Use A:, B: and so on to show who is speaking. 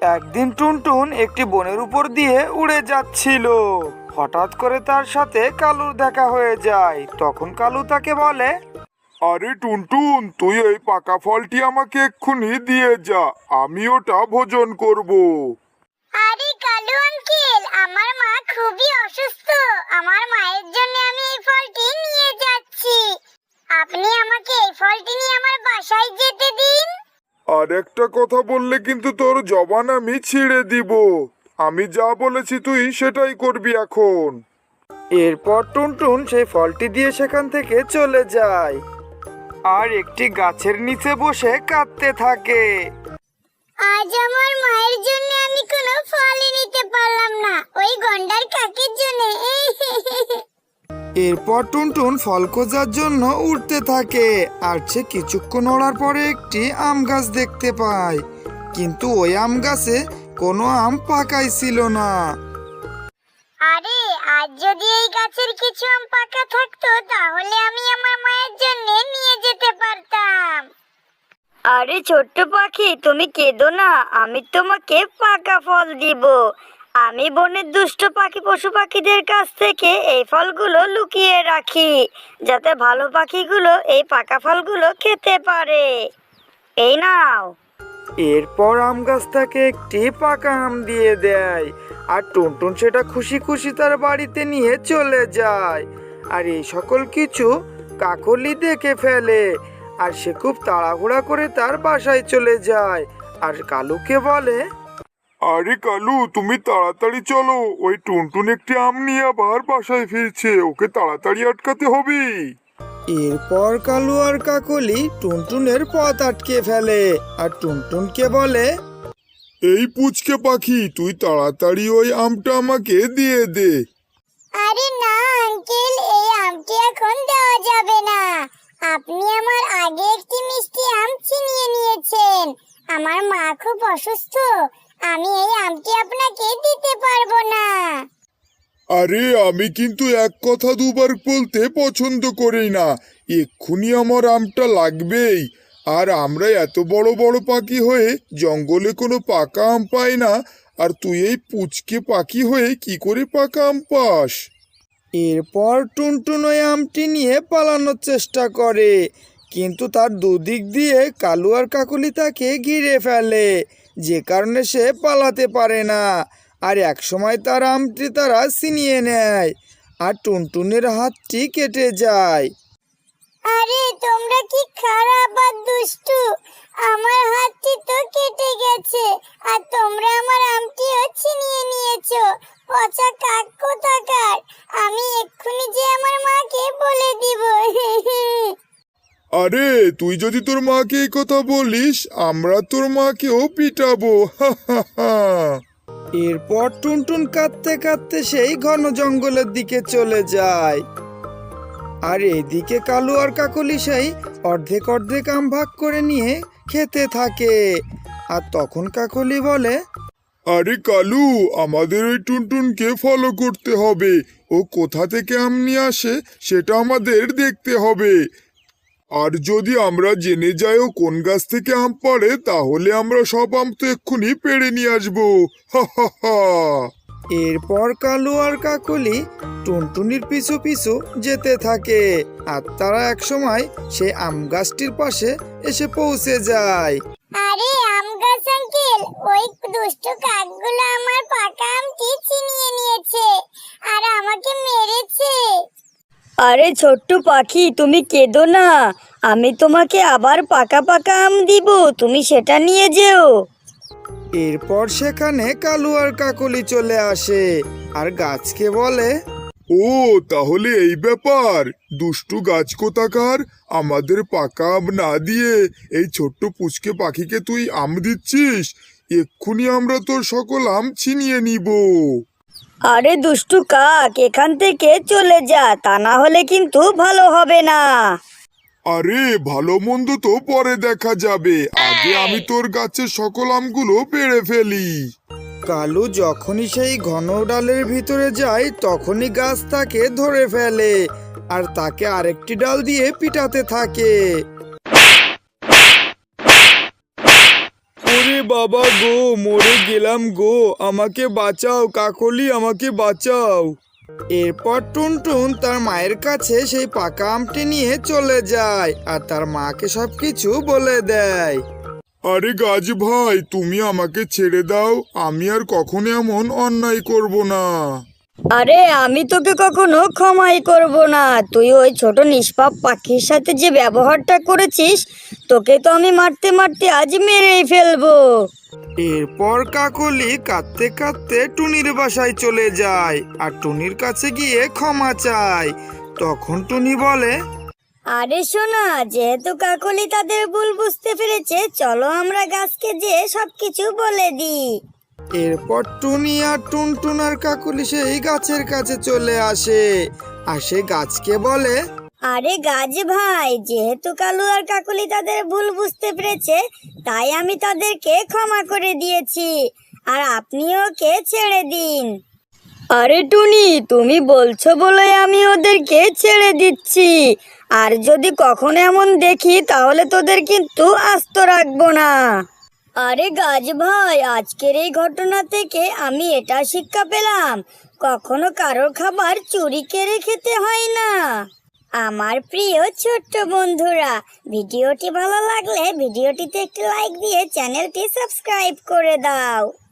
A: একদিন টুনটুন একটি বনের উপর দিয়ে উড়ে যাচ্ছিল। হঠাৎ করে তার সাথে কালুর দেখা হয়ে যায়। তখন কালু তাকে বলে,
B: আরে টুনটুন, তুই এই পাকা ফলটি আমাকে এক্ষুনি দিয়ে যা, আমি ওটা ভোজন করব।
C: আরে কালু আঙ্কেল, আমার মা খুবই অসুস্থ। আমার মায়ের জন্য আমি এই ফলটি নিয়ে যাচ্ছি। আপনি আমাকে এই ফলটি নিয়ে আমার বাসায় যেতে দিন।
B: আর একটা কথা বললে কিন্তু তোর জবান আমি ছিঁড়ে দিব। আমি যা বলেছি তুই সেটাই করবি এখন।
A: এরপর টুনটুন সেই ফলটি দিয়ে সেখান থেকে চলে যায় আর একটি গাছের নিচে বসে কাঁদতে থাকে।
C: আজ আমার মায়ের জন্য আমি কোনো ফলই নিতে পারলাম না, ওই গন্ডার কাকের জন্য।
A: এরপর টুনটুন ফল খোঁজার জন্য উঠতে থাকে আর সে কিছুক্ষণ ওড়ার পরে একটি আম গাছ দেখতে পায়, কিন্তু ওই আম গাছে কোনো আম পাকাই ছিল না।
C: আরে আজ যদি এই গাছের কিছু আম পাকা থাকতো তাহলে আমি আমার মায়ের জন্য নিয়ে যেতে পারতাম।
D: আরে ছোট্ট পাখি, তুমি কেঁদো না, আমি তোমাকে পাকা ফল দিব। আমি বনের দুষ্ট পাখি পশু পাখিদের কাছ থেকে এই ফলগুলো লুকিয়ে রাখি, যাতে ভালো পাখিগুলো এই পাকা ফলগুলো খেতে পারে। এই নাও।
A: এরপর আম গাছ তাকে একটি পাকা আম দিয়ে দেয় আর টুনটুন সেটা খুশি খুশি তার বাড়িতে নিয়ে চলে যায়। আর এই সকল কিছু কাকলি দেখে ফেলে আর সে খুব তাড়াহুড়া করে তার বাসায় চলে যায় আর কালুকে বলে,
B: আরে কালু, তুমি তাড়াতাড়ি চলো, ওই টুনটুন একটি আম নিয়ে আবার বাসায় ফিরছে, ওকে তাড়াতাড়ি আটকাতে হবে।
A: এরপর কালু আর কাকলি টুনটুনের পথ আটকে ফেলে আর টুনটুনকে বলে,
B: এই পুচকে পাখি, তুই তাড়াতাড়ি ওই আমটা আমাকে দিয়ে দে।
C: আরে না আঙ্কেল, এই আমটি এখন দেওয়া যাবে না। আপনি আমার আগে একটি মিষ্টি আম ছিনিয়ে নিয়েছেন। আমার মা খুব অসুস্থ, আমি এই আমটি আপনাকে দিতে পারবো না।
B: আরে আমি কিন্তু এক কথা দুবার বলতে পছন্দ করি না, এক্ষুনি আমার আমটা লাগবেই। আর আমরা এত বড় বড় পাখি হয়ে জঙ্গলে কোনো পাকা আম পাই না, আর তুই এই পুচকে পাখি হয়ে কি করে পাকা আম পাস?
A: এরপর টুনটুন ওই আমটি নিয়ে পালানোর চেষ্টা করে, কিন্তু তার দুদিক দিয়ে কালু আর কাকলি তাকে ঘিরে ফেলে, যে কারণে সে পালাতে পারে না। আর একসময় তার আমটি তারা ছিনিয়ে নেয় আর টুনটুনের হাতটি কেটে যায়।
C: আরে তোমরা কি খারাপ আর দুষ্টু, আমার হাতটি তো কেটে গেছে আর তোমরা আমার আমটিও ছিনিয়ে নিয়েছো। পচা কাক কোথাকার, আমি এক্ষুনি যে আমার মাকে বলে দিব।
B: আরে তুই যদি তোর মাকে এই কথা বলিস, আমরা তোর মাকেও পিটাবো। হা হা হা।
A: এরপর টুনটুন কাঁদতে কাঁদতে সেই ঘন জঙ্গলের দিকে চলে যায় আর এদিকে কালু আর কাকলি সেই অর্ধেক অর্ধেক আম ভাগ করে নিয়ে খেতে থাকে। আর তখন কাকলি বলে,
B: আরে কালু, আমাদের ওই টুনটুনকে ফলো করতে হবে, ও কোথা থেকে আম নিয়ে আসে সেটা আমাদের দেখতে হবে। আর যদি আমরা জেনে যাই ও কোন গাছ থেকে আম পাড়ে, তাহলে আমরা সব আম তো এক্ষুনি পেড়ে নিয়ে আসবো। হা হা হা।
A: এরপর কালু আর কাকলি টুনটুনির পিছু পিছু যেতে থাকে আর তারা একসময় সেই আম গাছটির পাশে এসে পৌঁছে যায়।
C: আরে আম গাছ আঙ্কেল, ওই দুষ্টু কাকগুলো আমার পাকা আমটি ছিনিয়ে নিয়েছে আর আমাকে মেরেছে।
D: আরে ছোট্ট পাখি, তুমি কেঁদো না, আমি তোমাকে আবার পাকা পাকা আম দিব, তুমি সেটা নিয়ে যেও।
A: এরপর সেখানে কালু আর কাকলি চলে আসে আর গাছকে বলে,
B: ও তাহলে এই ব্যাপার, দুষ্টু গাছ কোথাকার, আমাদের পাকা আম না দিয়ে এই ছোট্ট পুচকে পাখিকে তুই আম দিচ্ছিস? এক্ষুনি আমরা তোর সকল আম ছিনিয়ে নিব।
D: আরে দুষ্টু কাক, এখান থেকে চলে যা, তা না হলে কিন্তু ভালো হবে না।
B: আরে ভালো মন্দ তো পরে দেখা যাবে, আগে আমি তোর গাছের সকল আমগুলো পেড়ে ফেলি।
A: কালু যখনই সেই ঘন ডালের ভিতরে যায় তখনই গাছ তাকে ধরে ফেলে আর তাকে আরেকটি ডাল দিয়ে পিটাতে থাকে।
B: ওরে
A: বাবা গো, মরে গেলাম গো, আমাকে বাঁচাও কাকলি, আমাকে বাঁচাও। এরপর টুনটুন তার মায়ের কাছে সেই পাকা আমটি নিয়ে চলে যায় আর তার মাকে সবকিছু বলে দেয়।
B: আরে গাছ ভাই, তুমি আমাকে ছেড়ে দাও, আমি আর কখনো এমন অন্যায় করব না।
D: আরে আমি তোকে কখনো ক্ষমাই করব না। তুই ওই ছোট নিষ্পাপ পাখির সাথে যে ব্যবহারটা করেছিস, তোকে তো আমি মারতে মারতে আজ মেরেই ফেলবো।
A: এরপর কাকলি কাঁদতে কাঁদতে টুনির বাসায় চলে যায় আর টুনির কাছে গিয়ে ক্ষমা চায়। তখন টুনি বলে,
D: আরে শোনা, যেহেতু কাকলি তাদের ভুল বুঝতে পেরেছে, চলো আমরা গাছকে যেয়ে সবকিছু বলে দিই।
A: এরপর টুনি আর টুনটুন আর কাকলি সেই গাছের কাছে চলে আসে আর সে গাছকে বলে,
D: আরে গাছ ভাই, যেহেতু কালু আর কাকলি তাদের ভুল বুঝতে পেরেছে, তাই আমি তাদেরকে ক্ষমা করে দিয়েছি, আর আপনি ওকে ছেড়ে দিন। আরে টুনি, তুমি বলছো বলে আমি ওদেরকে ছেড়ে দিচ্ছি, আর যদি কখনো এমন দেখি তাহলে তোদের কিন্তু আস্ত রাখবো না। আরে গাছ ভাই, আজকের এই ঘটনা থেকে আমি এটা শিক্ষা পেলাম, কখনো কারোর খাবার চুরি করে খেতে হয় না। আমার প্রিয় ছোট্ট বন্ধুরা, ভিডিওটি ভালো লাগলে ভিডিওটিতে একটি লাইক দিয়ে চ্যানেলটি সাবস্ক্রাইব করে দাও।